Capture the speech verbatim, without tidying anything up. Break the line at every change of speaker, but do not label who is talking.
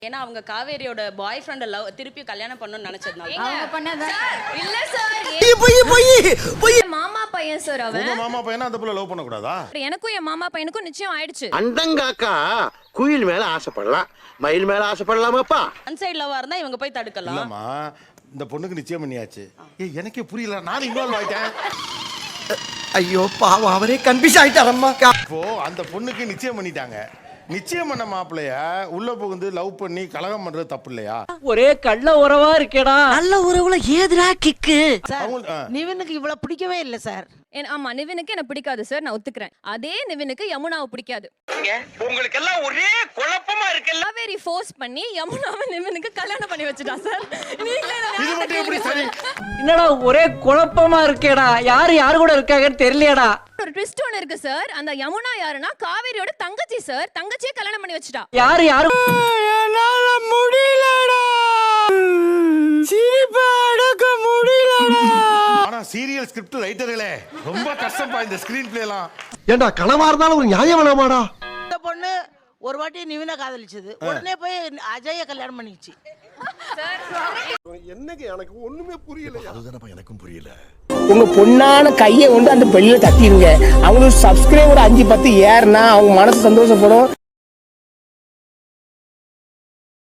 ஏன்னா அவங்க காவேரியோட பாய் friend love திருப்பி கல்யாணம் பண்ணனும்னு நினைச்சதுனால
அவங்க பண்ணதா
இல்ல சார்
போய் போய் போய்
மாமா பையன் சார் அவன்
உங்க மாமா பையனா அந்த புள்ள லவ் பண்ண கூடாதா?
எனக்கும் என் மாமா பையனுக்கும் நிச்சயம் ஆயிடுச்சு.
அண்டங்காக்கா குயில் மேல ஆசைப்படலாம், மயில் மேல ஆசைப்படலாமாப்பா?
ஒன் சைடு லவ்வா இருந்தா இவங்க போய் தடுக்கலாம்.
இல்லம்மா இந்த பொண்ணுக்கு நிச்சயம் பண்ணியாச்சு. ஏய் எனக்கே புரியல, நான் இன்வால்வ் ஆயிட்டேன்.
ஐயோ பாவம் அவரே கன்ஃபியூஸ் ஆயிட்டாரம்மா.
இப்போ அந்த பொண்ணுக்கு நிச்சயம் பண்ணிட்டாங்க. நிச்சயம் பண்ண மாப்பிள்ளைய உள்ள புகுந்து லவ் பண்ணி கலகம் பண்றது தப்பு இல்லையா?
ஒரே கள்ள உறவா இருக்கேடா.
நல்ல உறவுல ஏதுடா கிக்கு.
அவங்க- ஆ.
நிவினுக்கு இவ்வளவு பிடிக்கவே இல்ல சார்.
என் ஆமா நிவினுக்கு என்ன பிடிக்காது சார், நான் ஒத்துக்கிறேன். அதே நிவினுக்கு யமுனாவை பிடிக்காது.
உங்களுக்கு எல்லாம் ஒரே குழப்பமா இருக்குல்ல.
காவேரி ஃபோர்ஸ் பண்ணி யமுனாவை நிவினுக்கு கல்யாணம் பண்ணி வச்சுட்டா சார். நீங்களே என்ன
இது மட்டும் எப்படி சரி?
என்னடா ஒரே குழப்பமா இருக்கேடா. யாரு யாரு கூட இருக்காங்கன்னு தெரியலையாடா.
ஒரு ட்விஸ்ட் ஒன்னு இருக்கு சார். அந்த யமுனா யாருன்னா காவேரியோட தங்கச்சி சார். தங்கச்சியே கல்யாணம் பண்ணி வச்சுட்டா.
யாரு யாரு
என்னால முடியலடா. சிரிப்பா அடக்க முடியலடா.
ஆனா சீரியல் ஸ்கிரிப்ட் ரைட்டர்களே ரொம்ப கஷ்டப்பா இந்த ஸ்கிரீன் பிளே எல்லாம்.
ஏண்டா கனவா இருந்தாலும் ஒரு நியாயம் வேணாமாடா?
இந்த பொண்ணு ஒரு வாட்டி நிவினை காதலிச்சது, உடனே போய் அஜய கல்யாணம் பண்ணிச்சு.
உங்க பொண்ணான கையை வந்து அந்த பெல்ல தட்டிடுங்க. அவங்களுக்கு சப்ஸ்கிரைபர் அஞ்சு பத்து ஏறுனா அவங்க மனசு சந்தோஷப்படும்.